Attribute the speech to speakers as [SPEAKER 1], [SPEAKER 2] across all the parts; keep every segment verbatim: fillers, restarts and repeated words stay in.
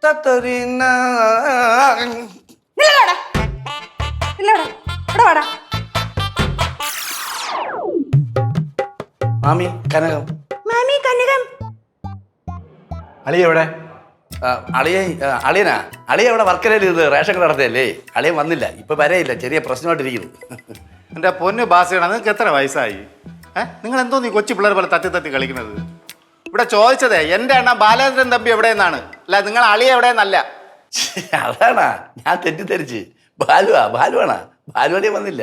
[SPEAKER 1] മാമി കനകം.
[SPEAKER 2] മാമി കനകം.
[SPEAKER 1] അളിയ എവിടെ? അളിയ അളിയനാ അളിയ ഇവിടെ വർക്കരയിൽ ഇത് റേഷൻ കട നടത്തിയല്ലേ. അളിയൻ വന്നില്ല, ഇപ്പൊ വരെയില്ല, ചെറിയ പ്രശ്നമായിട്ടിരിക്കുന്നു.
[SPEAKER 3] എൻ്റെ പൊന്ന് ബാസിയാണ്, നിങ്ങൾക്ക് എത്ര വയസ്സായി? ഏഹ് നിങ്ങൾ എന്തോ നീ കൊച്ചു പിള്ളേർ പോലെ തട്ടി തട്ടി കളിക്കുന്നത്? ഇവിടെ ചോദിച്ചതേ എൻ്റെ അണ്ണ ബാലേന്ദ്രൻ തമ്പി എവിടെയെന്നാണ്, അല്ല നിങ്ങൾ അളിയ എവിടെയെന്നല്ല.
[SPEAKER 1] അതാണാ ഞാൻ തെറ്റിദ്ധരിച്ച്. ബാലുവാ ബാലുവാണാ ബാലുവളിയ വന്നില്ല.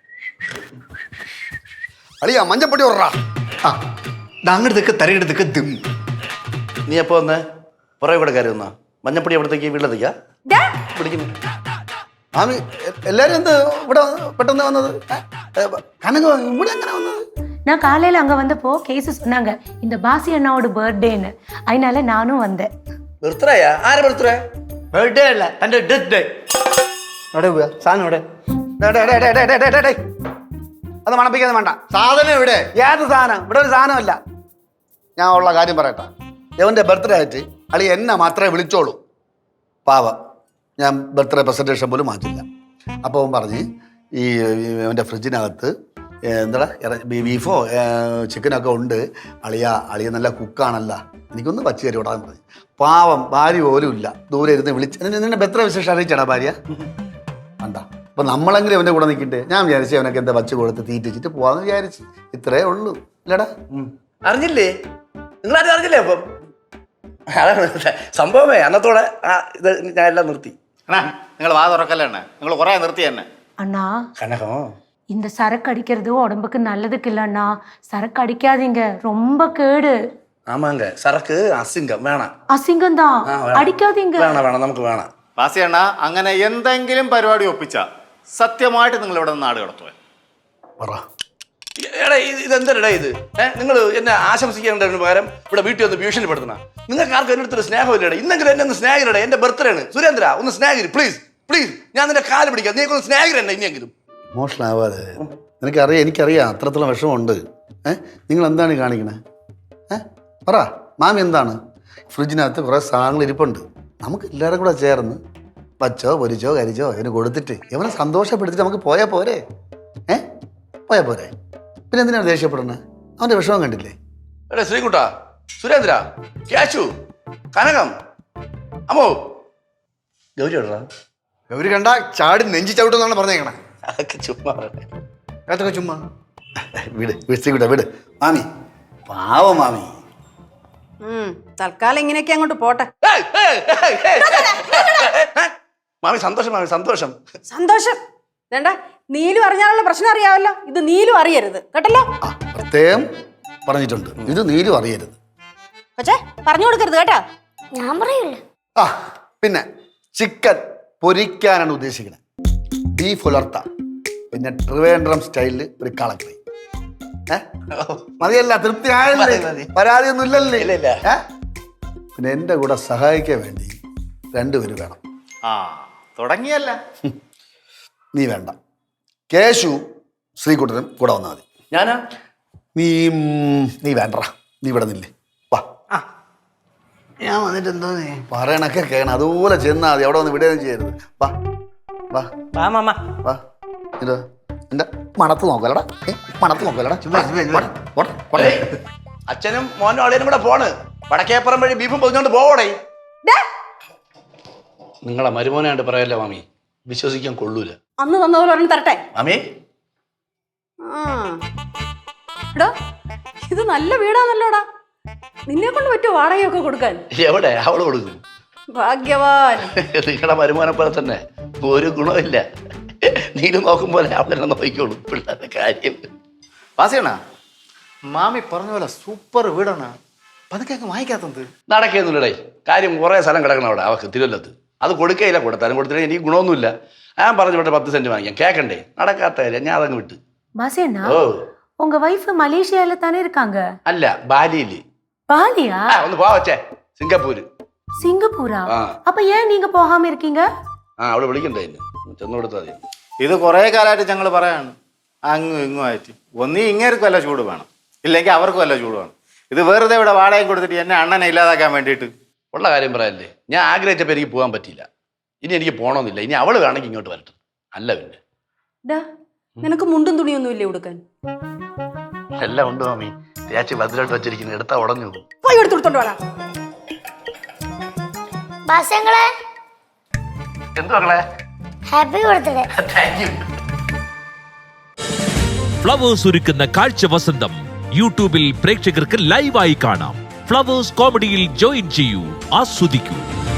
[SPEAKER 4] അളിയ മഞ്ഞപ്പൊടി ഓർറാ. ആ അങ്ങോട്ടേക്ക് തരയിടത്തേക്ക് ദിം.
[SPEAKER 1] നീ എപ്പോ വന്ന് പുറകെ കൂടെ കയറി വന്നാ? മഞ്ഞപ്പൊടി എവിടത്തേക്ക് വീട്ടിലെത്തിക്കാ പിടിക്കുന്നു.
[SPEAKER 4] ആമി എല്ലാരും എന്ത് ഇവിടെ പെട്ടെന്ന് വന്നത്? കനകം ഇവിടെ എങ്ങനെ വന്നത്?
[SPEAKER 2] நான் காலையில அங்க வந்தப்போ கேஸ் சொன்னாங்க இந்த பாசி அண்ணாவோட பர்த்டேன்னு, அதனால நானும் வந்தேன்.
[SPEAKER 1] ബർത്ത്ഡേയാ? ആരെ ബർത്ത്ഡേ?
[SPEAKER 5] ബർത്ത്ഡേ അല്ല, എന്റെ ഡെത്ത് ഡേ.
[SPEAKER 4] എവിടെ പോയാ സാധനം? ഇവിടെ അത് മണപ്പിക്കാതെ വേണ്ട.
[SPEAKER 5] സാധനം എവിടെ?
[SPEAKER 4] ഏത് സാധനം? ഇവിടെ ഒരു സാധനമല്ല. ഞാൻ ഉള്ള കാര്യം പറയട്ടെ. ഇവന്റെ ബർത്ത്ഡേ ആയിട്ട് അളി എന്നെ മാത്രമേ വിളിച്ചോളൂ. പാവം, ഞാൻ ബർത്ത്ഡേ പ്രസൻറ്റേഷൻ പോലും മാറ്റില്ല. അപ്പോൾ അവൻ പറഞ്ഞ് ഈ അവൻ്റെ ഫ്രിഡ്ജിനകത്ത് എന്താ ബീഫോ ചിക്കനൊക്കെ ഉണ്ട്, അളിയ അളിയ നല്ല കുക്കാണല്ല, എനിക്കൊന്ന് വച്ച് കയറി വിടാൻ പറഞ്ഞു. പാവം, ഭാര്യ പോലും ഇല്ല, ദൂരെ ഇരുന്ന് വിളിച്ച് നിന്നെ ബർത്ത്ഡേ വിശേഷം അറിയിച്ചാടാ ഭാര്യ? വേണ്ട. അപ്പം നമ്മളെങ്കിലും അവൻ്റെ കൂടെ നിൽക്കട്ടെ. ഞാൻ വിചാരിച്ചു അവനൊക്കെ എന്താ വച്ച് കൊടുത്ത് തീറ്റിച്ചിട്ട് പോവാന്ന് വിചാരിച്ചു. ഇത്രേ ഉള്ളൂ. ഇല്ലടാ
[SPEAKER 1] അറിഞ്ഞില്ലേ? നിങ്ങളാരും അറിഞ്ഞില്ലേ? അപ്പം അതാണ് സംഭവമേ. അന്നത്തോടെ ആ ഇത് ഞാൻ എല്ലാം നിർത്തി.
[SPEAKER 3] അണ്ണാ നിങ്ങൾ വാ തുറക്കല്ലേ അണ്ണ, നിങ്ങൾ കുറേ നിർത്തി തന്നെ.
[SPEAKER 2] அண்ணா
[SPEAKER 1] കനകം
[SPEAKER 2] இந்த சரக்கு அடிக்கிறது உடம்புக்கு நல்லதுக்கு இல்ல அண்ணா, சரக்கு அடிக்காதீங்க, ரொம்ப கேடு.
[SPEAKER 1] ആമാങ്ക സറക്ക് അസിംഗം വേണം.
[SPEAKER 2] அசிங்கம் தான், அடிக்காதீங்க.
[SPEAKER 1] വേണം വേണം നമുക്ക് വേണം.
[SPEAKER 3] ബാസി അണ്ണ അങ്ങനെ എന്തെങ്കിലും പരിപാടി ഒപ്പിച്ച സത്യമായിട്ട് നിങ്ങൾ ഇവിടെ നിന്ന് നാട് കടത്തുവേ.
[SPEAKER 4] പറ.
[SPEAKER 1] എടാ ഇതെന്തരടാ ഇത്? ഏഹ് നിങ്ങൾ എന്നെ ആശംസിക്കേണ്ടതിന് പകരം ഇവിടെ വീട്ടിൽ ഒന്ന് ഭീഷണിപ്പെടുത്തണ. നിങ്ങൾക്ക് ആർക്കും എൻ്റെ അടുത്തൊരു സ്നേഹമില്ലടേ. ഇന്നെങ്കിലും എന്നെ ഒന്ന് സ്നേഹിരടേ. എൻ്റെ ബർത്ത്ഡേ ആണ്. സുരേന്ദ്ര ഒന്ന് സ്നേഹിര് പ്ലീസ് പ്ലീസ്. ഞാൻ നിന്റെ കാല് പിടിക്കാം. നീ ഒന്ന് സ്നേഹിരണ്ട ഇനിയെങ്കിലും.
[SPEAKER 4] ഇമോഷണൽ ആവാതെ. നിനക്കറിയാം, എനിക്കറിയാം അത്രത്തോളം വിഷമമുണ്ട്. ഏഹ് നിങ്ങൾ എന്താണ് കാണിക്കണേ? ഏഹ് പറ മാമി, എന്താണ്? ഫ്രിഡ്ജിനകത്ത് കുറേ സാധനങ്ങൾ ഇരിപ്പുണ്ട്. നമുക്ക് എല്ലാവരും കൂടെ ചേർന്ന് വച്ചോ പൊരിച്ചോ കരിച്ചോ അതിന് കൊടുത്തിട്ട് ഇവനെ സന്തോഷപ്പെടുത്തിട്ട് നമുക്ക് പോയാൽ പോരെ? ഏഹ് പോയാൽ പോരെ? പിന്നെ എന്തിനാണ് ദേഷ്യപ്പെടുന്നത്? അവൻ്റെ വിഷമം കണ്ടില്ലേ?
[SPEAKER 1] എടാ ശ്രീകുട്ട, സുരേന്ദ്ര, ക്യാഷു, കനകം, അമ്മോ, ഗൗരി എവിടെടാ?
[SPEAKER 5] ഗൗരി കണ്ട ചാടി നെഞ്ചി ചവിട്ടെന്നാണ് പറഞ്ഞേക്കണേ.
[SPEAKER 1] അതൊക്കെ ചുമ്മാ
[SPEAKER 5] അതൊക്കെ ചുമ്മാ.
[SPEAKER 4] വിട് വിട് ശ്രീകുട്ട വിട്. മാമി പാവം മാമി.
[SPEAKER 6] തൽക്കാലം ഇങ്ങനെയൊക്കെ അങ്ങോട്ട് പോട്ടെ.
[SPEAKER 1] മാമി സന്തോഷം, മാമി സന്തോഷം.
[SPEAKER 6] സന്തോഷം വേണ്ട. നീലു അറിഞ്ഞാലുള്ള പ്രശ്നം അറിയാമല്ലോ, ഇത് നീലു അറിയരുത് കേട്ടല്ലോ.
[SPEAKER 4] ആ പ്രത്യേകം പറഞ്ഞിട്ടുണ്ട്, ഇത് നീലും അറിയരുത്.
[SPEAKER 6] പക്ഷേ പറഞ്ഞു കൊടുക്കരുത് കേട്ടാ.
[SPEAKER 2] ഞാൻ പറയൂല.
[SPEAKER 4] ആ പിന്നെ ചിക്കൻ പൊരിക്കാനാണ് ഉദ്ദേശിക്കുന്നത്. ബീഫ് ഉലർത്ത, പിന്നെ ട്രിവേൻഡ്രം സ്റ്റൈലിൽ ഒരു കളക്കറി. ഏഹ് മതിയല്ല? തൃപ്തി ആയല്ലേ? പരാതിയൊന്നും ഇല്ലല്ലേ? ഏഹ് പിന്നെ എൻ്റെ കൂടെ സഹായിക്കാൻ വേണ്ടി രണ്ടുപേര് വേണം.
[SPEAKER 3] ആ തുടങ്ങിയല്ല.
[SPEAKER 4] നീ വേണ്ട, കേശു ശ്രീകുട്ടനും കൂടെ വന്നാൽ മതി.
[SPEAKER 1] ഞാനാ?
[SPEAKER 4] നീ നീ വേണ്ട, നീ ഇവിടെ നില്ലേ. വാ,
[SPEAKER 5] ഞാൻ വന്നിട്ട് എന്തോ
[SPEAKER 4] പറയണൊക്കെ കേണം, അതുപോലെ ചെന്നാൽ മതി. അവിടെ വന്ന് വിടുകയും ചെയ്യരുത്. വാ വാ വാ. ഇതോ എൻ്റെ മണത്ത് നോക്കലടാ, മണത്ത് നോക്കലടാ.
[SPEAKER 1] അച്ഛനും മോനും അളിയനും കൂടെ പോണ്. വടക്കേപ്പുറം വഴി ബീഫും പൊതിഞ്ഞോണ്ട് പോവടേ. നിങ്ങളെ മരുമോനായിട്ട് പറയല്ലേ മാമി, വിശ്വസിക്കാൻ കൊള്ളൂല.
[SPEAKER 6] അന്ന് തന്നപോലെ ഒരെണ്ണം തരട്ടെ
[SPEAKER 1] മാമി.
[SPEAKER 6] എടാ ഇത് നല്ല വീടാണല്ലോടാ, നിന്നെ കൊണ്ട് പറ്റുമോ വാടകയൊക്കെ കൊടുക്കാൻ?
[SPEAKER 1] എവിടെ അവള് കൊടുക്കും?
[SPEAKER 6] ഭാഗ്യവാൻ.
[SPEAKER 1] നിങ്ങളുടെ മരുമോനെ പോലെ തന്നെ ഒരു ഗുണമില്ല. നീലും നോക്കും പോലെ അവളെന്നെ നോക്കിക്കോളൂ പിള്ളേരുടെ കാര്യം.
[SPEAKER 3] ബാസിയണ്ണ മാമി പറഞ്ഞ പോലെ സൂപ്പർ വീടാണ്. പതുക്കെ വാങ്ങിക്കാത്തത്
[SPEAKER 1] നടക്കുന്നില്ലടേ. കാര്യം കുറേ സ്ഥലം കിടക്കണം അവിടെ അവക്ക് തിരുവല്ലത്ത്. അത് കൊടുക്കയില്ല, കൊടുത്താലും കൊടുത്തില്ല എനിക്ക് ഗുണമൊന്നുമില്ല. ഞാൻ പറഞ്ഞു വിട്ട് പത്ത് സെന്റ് വാങ്ങിക്കാം. കേക്കണ്ടേ? നടക്കാത്ത കാര്യം. ഞാൻ അതങ്ങ് വിട്ട്.
[SPEAKER 2] பாசியண்ணா,
[SPEAKER 1] ഓ
[SPEAKER 2] உங்க வைஃப் மலேசியால தானே இருக்காங்க?
[SPEAKER 1] അല്ല, ബാലിയില്.
[SPEAKER 2] பாலியா?
[SPEAKER 1] ആ ഒന്ന് പോവാ വച്ചേ. സിംഗപ്പൂര്.
[SPEAKER 2] സിംഗപ്പൂരാ?
[SPEAKER 1] ആ.
[SPEAKER 2] அப்ப ஏன் நீங்க போகாம இருக்கீங்க?
[SPEAKER 1] ആ അവള് വിളിക്കണ്ടേ എന്നെ, ചെന്ന് കൊടുത്താൽ മതി.
[SPEAKER 3] ഇത് കുറേ കാലമായിട്ട് ഞങ്ങൾ പറയാണ്, അങ്ങും ഇങ്ങും ആയിട്ട്. ഒന്നീ ഇങ്ങേർക്കും വല്ല ചൂട് വേണം, ഇല്ലെങ്കിൽ അവർക്കും വല്ല ചൂട് വേണം. ഇത് വെറുതെ ഇവിടെ വാടകയും കൊടുത്തിട്ട് എന്നെ അണ്ണനെ ഇല്ലാതാക്കാൻ വേണ്ടിയിട്ട്
[SPEAKER 1] ഉള്ള കാര്യം പറയല്ലേ, ഞാൻ ആഗ്രഹിച്ചപ്പോൾ എനിക്ക് പോകാൻ പറ്റിയില്ല. ഇനി എനിക്ക് പോകണമെന്നില്ല. ഇനി അവള് വേണമെങ്കിൽ ഇങ്ങോട്ട് വരട്ടെ. അല്ല പിന്നെ
[SPEAKER 6] ഡാ നിനക്ക് മുണ്ടും തുണിയൊന്നും ഇല്ലേ ഉടുക്കാൻ?
[SPEAKER 1] എല്ലാം ഉണ്ട് മാമി. തേച്ച് ഭദ്രമായിട്ട് വെച്ചിരിക്കുന്നത് എടുത്താ ഉടഞ്ഞു പോകും.
[SPEAKER 6] പോയി എടുത്തോണ്ട് വാടാ.
[SPEAKER 7] ബാസങ്ങളെ
[SPEAKER 1] എന്തു മക്കളെ?
[SPEAKER 7] Happy birthday.
[SPEAKER 1] Thank you.
[SPEAKER 8] Flowers ഒരുക്കുന്ന കാഴ്ച വസന്തം യൂട്യൂബിൽ പ്രേക്ഷകർക്ക് ലൈവായി കാണാം. ഫ്ലവേഴ്സ് കോമഡിയിൽ ജോയിൻ ചെയ്യൂ, ആസ്വദിക്കൂ.